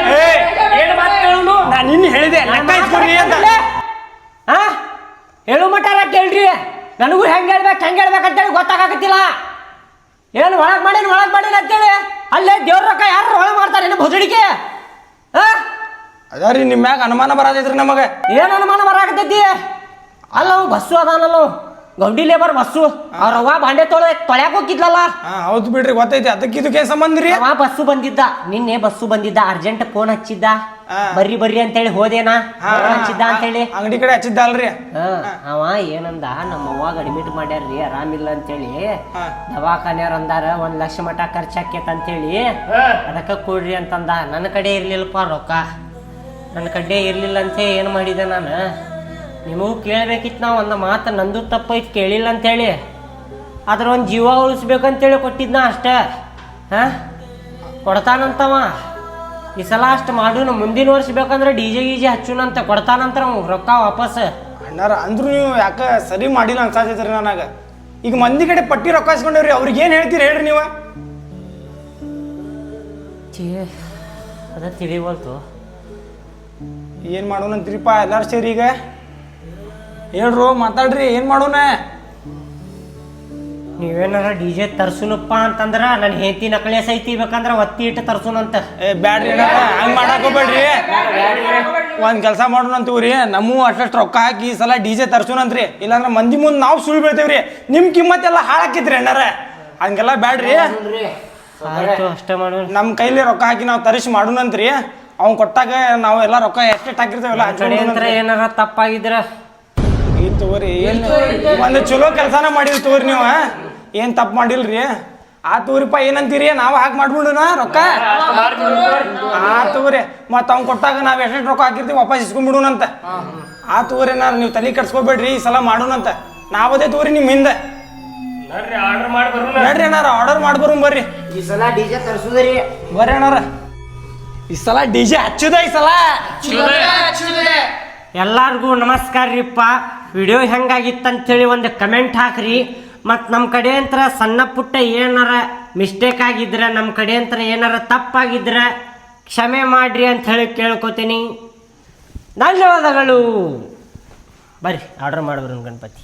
H: ನಾನು ನಿನ್ನ ಹೇಳಿದೆ ಲೆಕ್ಕ ಇಸ್ಕೊಡ್ರಿ ಅಂತ.
B: ಹಾ ಹೇಳು ಮಟಾರ ಕೇಳ್ರಿ. ನನಗೂ ಹೆಂಗ್ ಹೇಳ್ಬೇಕು ಹೆಂಗ್ ಹೇಳ್ಬೇಕಂತೇಳಿ ಗೊತ್ತಾಗತ್ತಿಲ್ಲ. ಏನು ಒಳಗ್ ಮಾಡೇನು ಒಳಗ್ ಮಾಡೇನು ಅಂತೇಳಿ ಅಲ್ಲೇ ದೇವ್ರ ರೊಕ್ಕ ಯಾರು ಒಳಗ್ ಮಾಡ್ತಾರೆ ಏನು ಭೋಜಡಿಕೆ? ಹಾ
H: ಅದಾರಿ ನಿಮ್ಮ ಮ್ಯಾಗ ಅನುಮಾನ ಬರತೈತ್ರಿ ನಮಗೆ.
B: ಏನು ಅನುಮಾನ ಬರಾಕತ್ತೈತಿ? ಅಲ್ಲ ಅವ್ ಬಸ್ಸು ಅದಾನಲ್ಲ, ಗೌಂಡಿ ಲೇಬರ್ ಬಸ್ಸು. ಅವ್ರ ಅವ್ವ ಬಾಂಡೆ ತೊಳೆ ತೊಳ್ಯಾಕ ಹೋಗಿದ್ಲಲ್ಲ.
H: ಹೌದು ಬಿಡ್ರಿ, ಗೊತ್ತೈತಿ. ಅದಕ್ಕೆ ಇದಕ್ಕೆ ಸಂಬಂಧ ರೀ.
B: ಅವ ಬಸ್ಸು ಬಂದಿದ್ದ, ನಿನ್ನೆ ಬಸ್ಸು ಬಂದಿದ್ದ. ಅರ್ಜೆಂಟ್ ಫೋನ್ ಹಚ್ಚಿದ್ದ, ಬರ್ರಿ ಬರ್ರಿ ಅಂತೇಳಿ ಹೋದೇನಾ ಹಚ್ಚಿದ್ದ ಅಂತೇಳಿ.
H: ಅಂಗಡಿ ಕಡೆ ಹಚ್ಚಿದ್ದ ಅಲ್ರಿ.
B: ಅವ ಏನಂದ, ನಮ್ಮ ಅವ್ವಾಗ ಅಡ್ಮಿಟ್ ಮಾಡ್ಯಾರ್ರಿ ಆರಾಮಿಲ್ಲ ಅಂತೇಳಿ. ದವಾಖಾನೆಯವ್ರ ಅಂದಾರ ಒಂದ್ ಲಕ್ಷ ಮಟ ಖರ್ಚಾಕೇತ ಅಂತೇಳಿ ಅದಕ್ಕ ಕೊಡ್ರಿ ಅಂತಂದ. ನನ್ನ ಕಡೆ ಇರ್ಲಿಲ್ಲಪ್ಪ ರೊಕ್ಕ. ನನ್ನ ಕಡ್ಡೆ ಇರಲಿಲ್ಲ ಅಂತ ಏನು ಮಾಡಿದೆ ನಾನು ನಿಮಗೂ ಕೇಳಬೇಕಿತ್ತು ನಾವು ಒಂದು ಮಾತು ನಂದು ತಪ್ಪೈತೆ ಕೇಳಿಲ್ಲ ಅಂತೇಳಿ ಅದ್ರ ಒಂದು ಜೀವ ಉಳಿಸ್ಬೇಕಂತೇಳಿ ಕೊಟ್ಟಿದ್ನ ಅಷ್ಟೇ ಹಾಂ ಕೊಡ್ತಾನಂತವ ಈ ಸಲ ಅಷ್ಟು ಮಾಡೋಣ ಮುಂದಿನ ವರ್ಷ ಬೇಕಂದ್ರೆ ಡಿ ಜೆ ಗೀಜೆ ಹಚ್ಚುನಂತ ಕೊಡ್ತಾನಂತ ರೊಕ್ಕ ವಾಪಸ್.
H: ಅಣ್ಣಾರ ಅಂದ್ರೂ ನೀವು ಯಾಕೆ ಸರಿ ಮಾಡಿಲ್ಲ ಅನ್ಸಾತೈತ್ರಿ ನನಗೆ. ಈಗ ಮಂದಿ ಕಡೆ ಪಟ್ಟಿ ರೊಕ್ಕ ಇಸ್ಕೊಂಡೇವ್ರಿ, ಅವ್ರಿಗೆ ಏನು ಹೇಳ್ತೀರಿ ಹೇಳ್ರಿ ನೀವು?
B: ಅದ ತಿಳಿವಲ್ತು
H: ಏನು ಮಾಡೋಣ ಅಂತೀರಿಪ್ಪ ಎಲ್ಲಾರು ಸೇರಿ ಈಗ ಹೇಳ್ರು ಮಾತಾಡ್ರಿ ಏನು ಮಾಡೋಣ?
B: ನೀವೇನಾರ ಡಿ ಜೆ ತರ್ಸುನಪ್ಪ ಅಂತಂದ್ರೆ ನನ್ನ ಹೆಂಡತಿ ನಕಲಿ ಸೈತಿ ಬೇಕಂದ್ರೆ ಒತ್ತಿ ಇಟ್ಟು ತರ್ಸುನಂತ.
H: ಏ ಬ್ಯಾಡ್ರಿ ಹಂಗೆ ಮಾಡಕ್ ಹೋಗ್ಬೇಡ್ರಿ. ಒಂದು ಕೆಲಸ ಮಾಡೋಣ ಅಂತೀವ್ರಿ, ನಮ್ಮೂ ಅಷ್ಟು ರೊಕ್ಕ ಹಾಕಿ ಈ ಸಲ ಡಿ ಜೆ ತರ್ಸುನಂತ್ರಿ, ಇಲ್ಲಾಂದ್ರೆ ಮಂದಿ ಮುಂದೆ ನಾವು ಸುಳ್ಳು ಬೀಳ್ತೇವ್ರಿ, ನಿಮ್ಮ ಕಿಮ್ಮತ್ತೆಲ್ಲ ಹಾಳಾಕಿದ್ರಿ ಅಣ್ಣಾರ. ಹಂಗೆಲ್ಲ ಬ್ಯಾಡ್ರಿ,
B: ಆಯ್ತು ಅಷ್ಟೇ ಮಾಡೋಣ.
H: ನಮ್ಮ ಕೈಲಿ ರೊಕ್ಕ ಹಾಕಿ ನಾವು ತರಿಸಿ ಮಾಡೋಣಂತ್ರಿ. ಅವ್ನು ಕೊಟ್ಟಾಗ ನಾವು ಎಲ್ಲ ರೊಕ್ಕ ಎಷ್ಟೆಷ್ಟು ಹಾಕಿರ್ತೇವಲ್ಲ
B: ಕಡೆ ಏನಾರ ತಪ್ಪಾಗಿದ್ರ
H: ಏನ್ ತಗೋರಿ, ಏನು ಒಂದು ಚಲೋ ಕೆಲಸನ ಮಾಡಿರಿ ತಗೋರಿ ನೀವು, ಏನು ತಪ್ಪು ಮಾಡಿಲ್ರಿ. ಆ ತಗೋರಿಪ್ಪ ಏನಂತೀರಿ, ನಾವು ಹಾಕಿ ಮಾಡ್ಬಿಡೋಣ ರೊಕ್ಕ. ಆ ತಗೋರಿ, ಮತ್ತು ಅವ್ನು ಕೊಟ್ಟಾಗ ನಾವು ಎಷ್ಟೆಷ್ಟು ರೊಕ್ಕ ಹಾಕಿರ್ತೀವಿ ವಾಪಸ್ ಇಸ್ಕೊಂಡ್ಬಿಡೋಣಂತ. ಆ ತಗೋರಿ ನಾನು ನೀವು ತಲೆ ಕೆಡ್ಸ್ಕೊಬೇಡ್ರಿ, ಈ ಸಲ ಮಾಡೋಣಂತ. ನಾವದೇ ತಗೋರಿ ನಿಮ್ಮ ಹಿಂದೆ ನಡ್ರಿ ಅಣ್ಣಾರ, ಆರ್ಡರ್ ಮಾಡ್ಬರು ಬರ್ರಿ.
B: ಈ ಸಲ ಡಿ ಜೆ ತರ್ಸುದ್ರಿ
H: ಬರ್ರಿ ಅಣ್ಣಾರ, ಈ ಸಲ ಡಿ ಜೆ ಹಚ್ಚುದ ಈ ಸಲ.
B: ಎಲ್ಲಾರ್ಗೂ ನಮಸ್ಕಾರ ರೀಪ್ಪ. ವಿಡಿಯೋ ಹೆಂಗಾಗಿತ್ತಂತೇಳಿ ಒಂದು ಕಮೆಂಟ್ ಹಾಕ್ರಿ. ಮತ್ತು ನಮ್ಮ ಕಡೆ ಅಂತ ಸಣ್ಣ ಪುಟ್ಟ ಏನಾರ ಮಿಸ್ಟೇಕ್ ಆಗಿದ್ರೆ, ನಮ್ಮ ಕಡೆ ಅಂತ ಏನಾರ ತಪ್ಪಾಗಿದ್ರೆ ಕ್ಷಮೆ ಮಾಡ್ರಿ ಅಂತ ಹೇಳಿ ಕೇಳ್ಕೊತೀನಿ. ಧನ್ಯವಾದಗಳು. ಬರ್ರಿ ಆರ್ಡರ್ ಮಾಡ್ಬರು ಗಣಪತಿ.